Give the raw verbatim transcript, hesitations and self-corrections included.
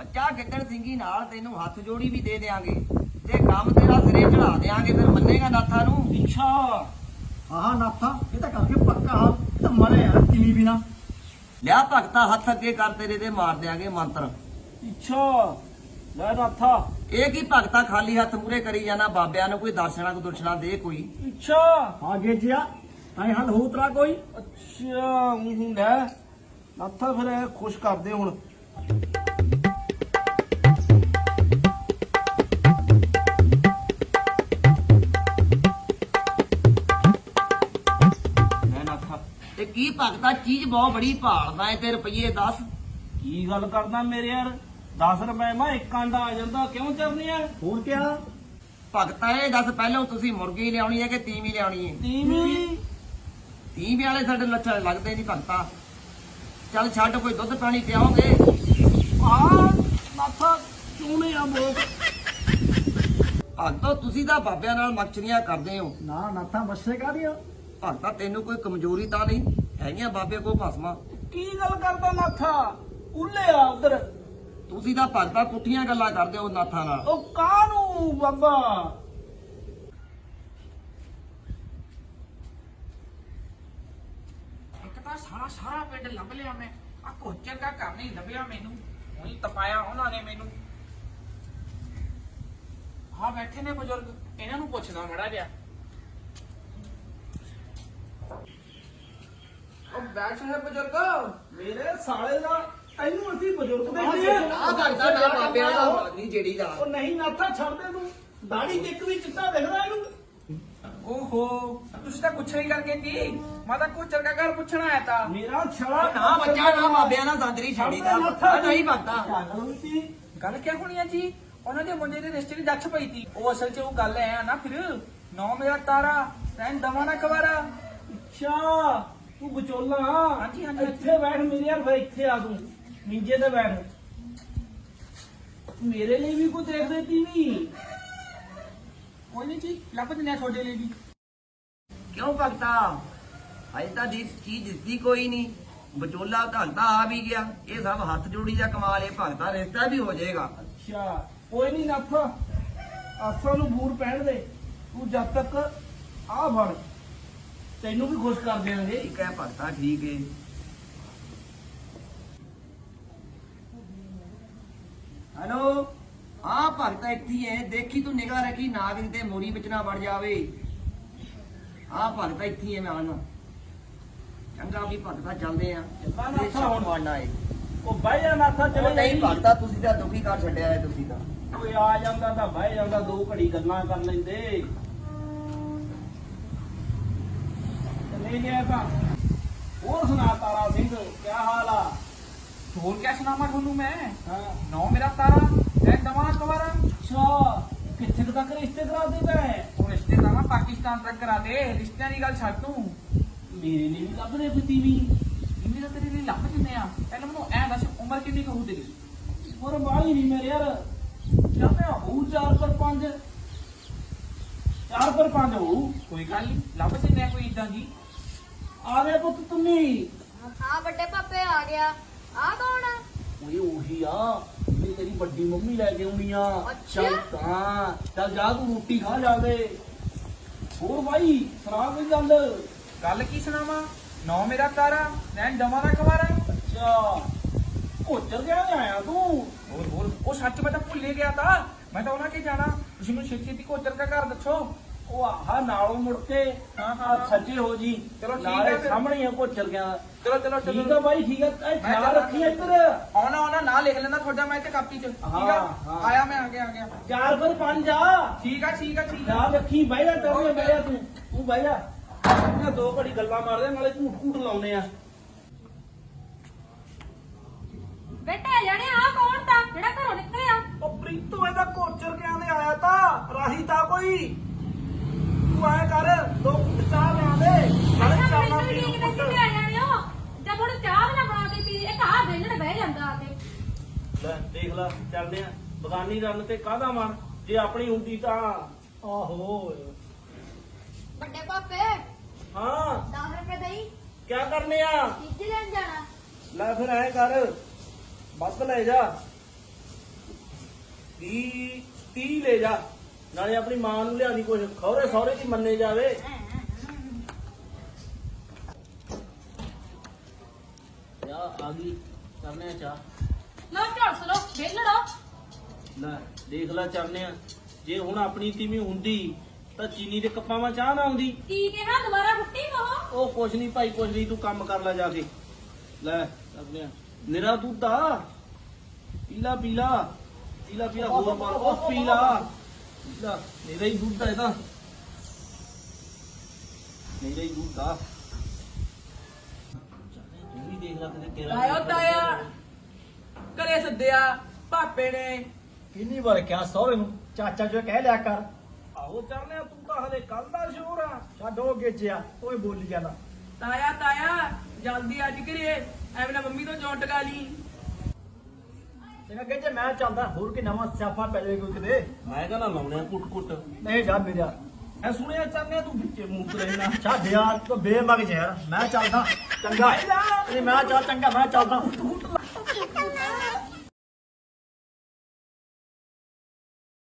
ਬੱਚਾ ਗਿੱਦੜ ਸਿੰਘੀ ਨਾਲ ਤੈਨੂੰ ਹੱਥ ਜੋੜੀ ਵੀ ਦੇ ਦੇਾਂਗੇ ਤੇ ਕੰਮ ਤੇਰਾ ਸਿਰੇ ਚੜਾ ਦੇਾਂਗੇ, ਫਿਰ ਮੰਨੇਗਾ ਨਾਥਾ ਨੂੰ? ਅੱਛਾ ਆਹ ਨਾਥਾ ਇਹ ਤਾਂ ਕਰਕੇ ਪੱਕਾ ਹਾਂ, ਇਹ ਤਾਂ ਮਰੇ ਯਾਰ ਕਿਲੀ ਬਿਨਾ। ਲਿਆ ਭਗਤਾ ਹੱਥ ਅੱਗੇ ਕਰ, ਤੇਰੇ ਤੇ ਮਾਰ ਦਿਆਂਗੇ ਮੰਤਰ। ਅੱਛਾ ਲੈ ਨਾਥਾ। ਇਹ ਕੀ ਭਗਤਾ ਖਾਲੀ ਹੱਥ ਮੂਰੇ ਕਰੀ ਜਾਣਾ? ਬਾਬਿਆਂ ਨੂੰ ਕੋਈ ਦਰਸ਼ਨਾ ਕੋ ਦੁਰਸ਼ਨਾ ਦੇ ਕੋਈ। ਅੱਛਾ ਹਾਂ ਗੇਜਿਆ ਤਾਂ ਹੱਲ ਹੋ ਤਰਾ ਕੋਈ। ਅੱਛਾ ਹੂੰ ਲੈ ਨਾਥਾ ਫਿਰ ਇਹ ਖੁਸ਼ ਕਰਦੇ ਹੁਣ। ਤੇ ਕੀ ਭਗਤਾ ਚੀਜ਼ ਬਹੁਤ ਬੜੀ ਭਾਲਦਾ ਏ ਤੇ ਰੁਪਈਏ ਦਸ। ਕੀ ਗੱਲ ਕਰਦਾ ਮੇਰੇ ਯਾਰ, ਦਸ ਰੁਪਏ ਮੈਂ ਇੱਕ ਆਂਡਾ ਆ ਜਾਂਦਾ, ਕਿਉਂ ਚਰਨੀ ਆ? ਹੋਰ ਕਿਆ ਭਗਤਾ ਇਹ ਦੱਸ ਪਹਿਲਾਂ ਤੁਸੀਂ ਮੁਰਗੀ ਲਿਆਉਣੀ ਹੈ ਕਿ ਤੀਵੀਂ ਲਿਆਉਣੀ ਹੈ? ਤੀਵੀਂ। ਤੀਵੀਂ ਵਾਲੇ ਸਾਡੇ ਲੱਛਣ ਲੱਗਦੇ ਨਹੀਂ ਭਗਤਾ। ਚੱਲ ਛੱਡ, ਕੋਈ ਦੁੱਧ ਪਾਣੀ ਪਿਆਓਗੇ? ਆ ਨਾਥਾ ਚੂਨੇ ਆ ਬੋਕ। ਭਗਤੋ ਤੁਸੀਂ ਤਾਂ ਬਾਬਿਆਂ ਨਾਲ ਮਕਚਰੀਆਂ ਕਰਦੇ ਹੋ। ਨਾ ਨਾਥਾ ਬੱਸੇ ਕਾਹਦੀਆਂ? ਭਗਤਾ ਤੈਨੂੰ ਕੋਈ ਕਮਜ਼ੋਰੀ ਤਾਂ ਨਹੀਂ ਹੈਗੀਆਂ ਬਾਬੇ ਕੋ ਭਸਮਾ? ਕੀ ਗੱਲ ਕਰਦਾ ਨਾਥਾ? ਉੱਲੇ ਆ ਉਧਰ। ਤੁਸੀਂ ਤਾਂ ਭਗਤਾ ਪੁੱਠੀਆਂ ਗੱਲਾਂ ਕਰਦੇ ਹੋ ਨਾਥਾਂ ਨਾਲ। ਉਹ ਕਾਹਨੂੰ ਬਾਬਾ? ਇੱਕ ਤਾਂ ਸਾਰਾ ਸਾਰਾ ਪਿੰਡ ਲੱਭ ਲਿਆ ਮੈਂ, ਆ ਕੋਚਰ ਦਾ ਘਰ ਨਹੀਂ ਲੱਭਿਆ ਮੈਨੂੰ। ਉਹੀ ਤਪਾਇਆ ਉਹਨਾਂ ਨੇ ਮੈਨੂੰ। ਹਾਂ ਬੈਠੇ ਨੇ ਬਜ਼ੁਰਗ, ਇਹਨਾਂ ਨੂੰ ਪੁੱਛਦਾ ਮੜਾ ਜਿਹਾ। ਉਹ ਬੈਠ ਹੈ ਬਜ਼ੁਰਗ। ਮੇਰੇ ਸਾਲੇ ਦਾ ਤੈਨੂੰ ਅਸੀਂ ਬਜ਼ੁਰਗ ਦੇਖਦੇ ਆ। ਆ ਭਗਤਾ ਨਾ ਬਾਬਿਆਂ ਦਾ ਹਾਲ ਨਹੀਂ ਜਿਹੜੀ ਦਾ। ਉਹ ਨਹੀਂ ਨਾਥਾ ਛੱਡ ਦੇ ਤੂੰ, ਦਾੜੀ ਤੇ ਇੱਕ ਵੀ ਚਿੱਟਾ ਦਿਖਦਾ ਇਹਨੂੰ। ਓਹੋ ਤੁਸੀਂ ਤਾਂ ਪੁੱਛਿਆ ਹੀ ਕਰਕੇ ਕੀ? ਮੈਂ ਤਾਂ ਕੋਚਰ ਦਾ ਘਰ ਪੁੱਛਣਾ ਆਇਆ ਤਾਂ। ਮੇਰਾ ਛੜਾ ਨਾ ਬੱਚਾ ਨਾ ਬਾਬਿਆਂ ਨਾਲ ਸੰਦਰੀ ਛੜੀ ਦਾ। ਨਹੀਂ ਭਗਤਾ ਗੱਲ ਕਿਆ ਹੋਣੀ ਆ ਜੀ? ਉਹਨਾਂ ਦੇ ਮੁੰਡੇ ਦੇ ਰਿਸ਼ਤੇ ਦੀ ਦੱਛ ਪਈ ਤੀ। ਉਹ ਅਸਲ 'ਚ ਉਹ ਗੱਲ ਐ ਨਾ, ਫਿਰ ਨੌ ਮੇਰਾ ਤਾਰਾ ਰਹਿਣ ਦਵਾ ਨਾ ਕਵਾਰਾ। ਅੱਛਾ ਤੂੰ ਵਿਚੋਲਾ? ਹਾਂਜੀ, ਹਾਂਜੀ। ਇੱਥੇ ਬੈਠ ਮੇਰੇ ਯਾਰ, ਫਿਰ ਇੱਥੇ ਆ ਤੂੰ ਨੀਚੇ ਤੇ ਬੈਠ। ਮੇਰੇ ਲਈ ਵੀ ਕੋਈ ਦੇਖ ਦੇਤੀ ਵੀ। ਕੋਈ ਨਹੀਂ ਜੀ, ਲੱਭ ਦਿੰਦੇ ਆ ਤੁਹਾਡੇ ਲਈ ਵੀ। ਕਿਉਂ ਭਗਤਾ ਅਜੇ ਤਾਂ ਦੀ ਚੀਜ਼ ਦਿੱਤੀ ਕੋਈ ਨਹੀਂ। ਵਿਚੋਲਾ ਭਗਤਾ ਆ ਵੀ ਗਿਆ। ਇਹ ਸਭ ਹੱਥ ਜੋੜੀ ਦਾ ਕਮਾਲ ਹੈ ਭਗਤਾ, ਰਿਸ਼ਤਾ ਵੀ ਹੋ ਜਾਏਗਾ। ਅੱਛਾ ਕੋਈ ਨਹੀਂ ਨਾਥਾ, ਆਸਾਂ ਨੂੰ ਬੂਰ ਪਹਿਨ ਦੇ ਤੂੰ। ਜਦ ਤੱਕ ਆ ਫੜ, ਤੈਨੂੰ ਵੀ ਖੁਸ਼ ਕਰ ਦੇਣਗੇ। ਠੀਕ ਹੈ ਭਗਤਾ, ਠੀਕ ਹੈ। ਹੈਲੋ ਹਾਂ ਭਗਤਾ ਇੱਥੇ ਹੀ ਹੈ। ਦੇਖੀ ਤੂੰ ਨਿਗਾਹ ਰੱਖੀ ਨਾਗ ਤੇ ਮੋਰੀ ਵਿੱਚ ਨਾ ਵੜ ਜਾਵੇ। ਹਾਂ ਭਗਤਾ ਇੱਥੇ ਹੀ ਹੈ, ਮੈਂ ਆਉਣਾ। ਚੰਗਾ ਵੀ ਭਗਤਾ ਚੱਲਦੇ ਆ। ਨਾਥਾ ਹੁਣ ਵੜਨਾ ਹੈ। ਉਹ ਬਹਿ ਜਾ ਨਾਥਾ, ਚਲੇ ਨਹੀਂ ਭਗਤਾ ਤੁਸੀਂ ਤਾਂ ਦੁਖੀ ਕਰ ਛੱਡਿਆ ਹੈ। ਤੁਸੀਂ ਤਾਂ ਕੋਈ ਆ ਜਾਂਦਾ ਤਾਂ ਬਹਿ ਜਾਂਦਾ, ਦੋ ਘੜੀ ਗੱਲਾਂ ਕਰ ਲੈਂਦੇ। ਚਲੇ ਗਿਆ ਤਾਂ। ਹੋਰ ਸੁਣਾ ਤਾਰਾ ਸਿੰਘ, ਕੀ ਹਾਲ ਆ? ਹੋਰ ਕਿਆ ਸੁਣਾਵਾਂ ਤੁਹਾਨੂੰ ਮੈਂ? ਹਾਂ ਨੌ ਮੇਰਾ ਤਾਰਾ ਰਹਿਣ ਦਵਾ ਨਾ ਕਵਾਰਾ। ਅੱਛਾ ਕਿੱਥੇ ਕੁ ਤੱਕ ਰਿਸ਼ਤੇ ਕਰਾ ਦੇ ਤੈਂ? ਉਹ ਰਿਸ਼ਤੇ ਤਾਂ ਮੈਂ ਪਾਕਿਸਤਾਨ ਤੱਕ ਕਰਾ ਦੇ। ਰਿਸ਼ਤਿਆਂ ਦੀ ਗੱਲ ਛੱਡ ਤੂੰ। ਮੇਰੇ ਲਈ ਵੀ ਲੱਭ ਦੇ ਕੋਈ ਤੀਵੀਂ। ਇੰਨੀ ਤਾਂ ਤੇਰੇ ਲਈ ਲੱਭ ਦਿੰਦੇ ਆ। ਪਹਿਲਾਂ ਮੈਨੂੰ ਐ ਦੱਸ, ਉਮਰ ਕਿੰਨੀ ਕੁ ਹੋਊ ਤੇਰੀ? ਹੋਰ ਬਾਹਲੀ ਨਹੀਂ ਮੇਰੇ ਯਾਰ, ਲੱਭਿਆ ਹੋਊ ਚਾਰ ਪਰ ਪੰਜ। ਚਾਰ ਪਰ ਪੰਜ ਹੋਊ। ਕੋਈ ਗੱਲ ਨਹੀਂ, ਲੱਭ ਦਿੰਦੇ ਆ ਕੋਈ ਇਦਾਂ ਦੀ। ਆ ਗਏ ਪੁੱਤ ਤੁਮੀ? ਹਾਂ ਵੱਡੇ ਪਾਪੇ ਆ ਗਿਆ। ਆ ਕੌਣ ਆ? ਓਏ ਉਹੀ ਆ ਜਿਹੜੀ ਤੇਰੀ ਵੱਡੀ ਮੰਮੀ ਲੈ ਕੇ ਆਉਣੀ ਆ। ਅੱਛਾ। ਚੱਲ ਤਾਂ ਚੱਲ ਜਾ ਤੂੰ ਰੋਟੀ ਖਾ ਜਾਵੇ। ਹੋਰ ਭਾਈ ਸੁਣਾ ਕੋਈ ਗੱਲ। ਗੱਲ ਕੀ ਸੁਣਾਵਾਂ? ਨੌ ਮੇਰਾ ਤਾਰਾ ਰਹਿਣ ਦਵਾ ਨਾ ਕਵਾਰਾ। ਅੱਛਾ ਕੋਚਰ ਗਿਆ ਆਇਆ ਤੂੰ? ਹੋਰ ਹੋਰ ਉਹ ਸੱਚ ਮੈਂ ਤਾਂ ਭੁੱਲ ਹੀ ਗਿਆ ਤਾਂ। ਮੈਂ ਤਾਂ ਉਹਨਾਂ ਕੇ ਜਾਣਾ। ਤੁਸੀਂ ਮੈਨੂੰ ਛੇਤੀ ਛੇਤੀ ਕੋਚਰ ਦਾ ਘਰ ਦੱਸੋ। ਉਹ ਆਹ ਨਾਲੋਂ ਮੁੜ ਕੇ ਹਾਂ, ਹਾਂ, ਆਹ ਸੱਜੇ ਹੋ ਜੀ। ਚਲੋ ਠੀਕ ਨਾਲੇ ਆ ਫਿਰ। ਸਾਹਮਣੇ ਆ ਕੋਚਰ ਗਿਆ। ਚਲੋ ਚਲੋ ਠੀਕ ਆ ਚਲੋ। ਬਾਈ, ਠੀਕ ਆ। ਇਹ ਖਿਆਲ ਚੱਲਾਂ। ਰੱਖੀ ਇੱਧਰ। ਆਉਣਾ ਆਉਣਾ ਨਾ ਲਿਖ ਲੈਣਾ ਤੁਹਾਡਾ ਮੈਂ ਤੇ ਕਾਪੀ 'ਚ। ਠੀਕ ਆ ਹਾਂ, ਹਾਂ। ਆਇਆ ਮੈਂ, ਆ ਗਿਆ ਆ ਗਿਆ। ਚਾਰ ਪਰ ਪੰਜ ਆ। ਠੀਕ ਆ ਠੀਕ ਆ ਠੀਕ ਆ। ਖਿਆਲ ਰੱਖੀ। ਬਹਿ ਜਾ ਚੱਲ, ਬਹਿ ਜਾ ਤੂੰ ਤੂੰ ਬਹਿ ਜਾ। ਇਹਨਾਂ ਦੋ ਘੜੀ ਗੱਲਾਂ ਮਾਰਦੇ ਨਾਲੇ ਝੂਠ ਝੂਠ ਲਾਉਨੇ ਆ। ਬੇਟੇ ਜਾਣੇ ਆ ਕੌਣ ਤਾਂ ਜਿਹੜਾ ਘਰੋਂ ਨਿਕਲਿਆ? ਉਹ ਪ੍ਰੀਤੂ ਇਹਦਾ ਕੋਚਰ ਕਿਆਂ ਦੇ ਆਇਆ ਤਾਂ ਰਾਹੀ ਤਾਂ ਕੋਈ। ਤੂੰ ਆਇਆ ਕਰ, ਦੋ ਕੁੱਟ ਚਾਹ ਲਿਆ ਦੇ ਨਾਲੇ ਅੱਛਾ ਚਾਹਨਾ ਮੈਨੂੰ ਪੀ ਠੀਕ ਨਹੀਂ ਸੀ ਆ ਜਾਣੇ ਹੋ। ਜਦ ਹੁਣ ਚਾਹ ਵੀ ਨਾ ਬਣਾ ਕੇ ਪੀ, ਇੱਕ ਆ ਵੇਲਣ ਬਹਿ ਜਾਂਦਾ ਆ ਕੇ। ਲੈ ਦੇਖ ਲੈ, ਚੱਲਦੇ ਆ ਬਗਾਨੀ ਰੰਨ ਤੇ ਕਾਹਦਾ ਮਨ, ਜੇ ਆਪਣੀ ਹੁੰਦੀ ਤਾਂ। ਆਹੋ ਵੱਡੇ ਪਾਪੇ ਹਾਂ ਦਸ ਰੁਪਏ ਦੇਈ, ਕਿਆ ਕਰਨੇ ਆ? ਚੀਜ਼ੀ ਲੈਣ ਜਾਣਾ। ਲੈ ਫਿਰ ਐ ਕਰ, ਵੱਧ ਲੈ ਜਾ। ਤੀਹ ਤੀਹ ਲੈ ਜਾ, ਨਾਲੇ ਆਪਣੀ ਮਾਂ ਨੂੰ ਲਿਆ ਦੀ ਕੁਝ, ਖੌਰੇ ਸਹੁਰੇ ਦੀ ਮੰਨੇ ਜਾਵੇ। ਚਾਹ ਆ ਗਈ, ਕਰਨੇ ਆ ਚਾਹ। ਲੋ ਝੜਸ ਲੋ ਵੇਲੜੋ। ਲੈ ਦੇਖ ਲੈ ਚਰਨਿਆ, ਜੇ ਹੁਣ ਆਪਣੀ ਤੀਵੀਂ ਹੁੰਦੀ ਤਾਂ ਚੀਨੀ ਦੇ ਕੱਪਾਂ ਵਿੱਚ ਚਾਹ ਨਾ ਆਉਂਦੀ। ਕੀ ਕਿਹਾ ਦੁਬਾਰਾ ਫੁੱਟੀ ਮੋ? ਉਹ ਕੁਛ ਨਹੀਂ ਭਾਈ, ਕੁਛ ਨਹੀਂ, ਤੂੰ ਕੰਮ ਕਰ ਲੈ ਜਾ ਕੇ। ਲੈ ਚਰਨਿਆ, ਨਿਰਾ ਦੁੱਧ ਆ, ਪੀਲਾ ਪੀਲਾ ਪੀਲਾ ਪੀਲਾ ਹੋਰ ਪਾ, ਉਹ ਪੀਲਾ ਪੀਲਾ, ਨਿਰਾ ਹੀ ਦੁੱਧ ਆ ਇਹਦਾ, ਨਿਰਾ ਹੀ ਦੁੱਧ ਆ। ਤੂੰ ਵੀ ਦੇਖ ਲੈ ਕਿਤੇ ਤੇਰਾ ਤਾਇਆ ਤਾਇਆ ਘਰੇ ਸੱਦਿਆ ਪਾਪੇ ਨੇ। ਕਿੰਨੀ ਵਾਰ ਕਿਹਾ ਸਹੁਰੇ ਨੂੰ ਚਾਚਾ ਜੋ ਕਹਿ ਲਿਆ ਕਰ। ਆਹੋ ਚਰਨਿਆ, ਤੂੰ ਤਾਂ ਹਲੇ ਕੱਲ ਦਾ ਸ਼ੋਰ ਆ। ਛੱਡ ਉਹ ਗੇਜਿਆ, ਉਹ ਹੀ ਬੋਲੀ ਜਾਂਦਾ। ਤਾਇਆ ਤਾਇਆ ਜਲਦੀ ਅੱਜ ਘਰੇ, ਐਵੇਂ ਨਾ ਮੰਮੀ ਤੋਂ ਜੋਂ ਟਕਾ ਲਈ। ਚੰਗਾ ਗੇਜੇ, ਮੈਂ ਚੱਲਦਾ, ਹੋਰ ਕੀ ਨਵਾਂ ਸਿਆਪਾ ਪੈ ਜਾਵੇ ਕੋਈ ਕਿਤੇ। ਮੈਂ ਕਹਿੰਦਾ ਲਾਉਣੇ ਕੁੱਟ ਕੁੱਟ। ਨਹੀਂ ਜਾ ਮੇਰਿਆ, ਐ ਸੁਣਿਆ ਚਰਨਿਆ, ਤੂੰ ਵਿੱਚੇ ਮੂਤ ਰਹਿਣਾ। ਛੱਡ ਯਾਰ, ਤੂੰ ਬੇਮਗ ਯਾਰ, ਮੈਂ ਚੱਲਦਾ। ਚੰਗਾ ਭਾਈ ਜਾ। ਨਹੀਂ ਮੈਂ ਚੱਲ, ਚੰਗਾ ਮੈਂ ਚੱਲਦਾ। ਤੂੰ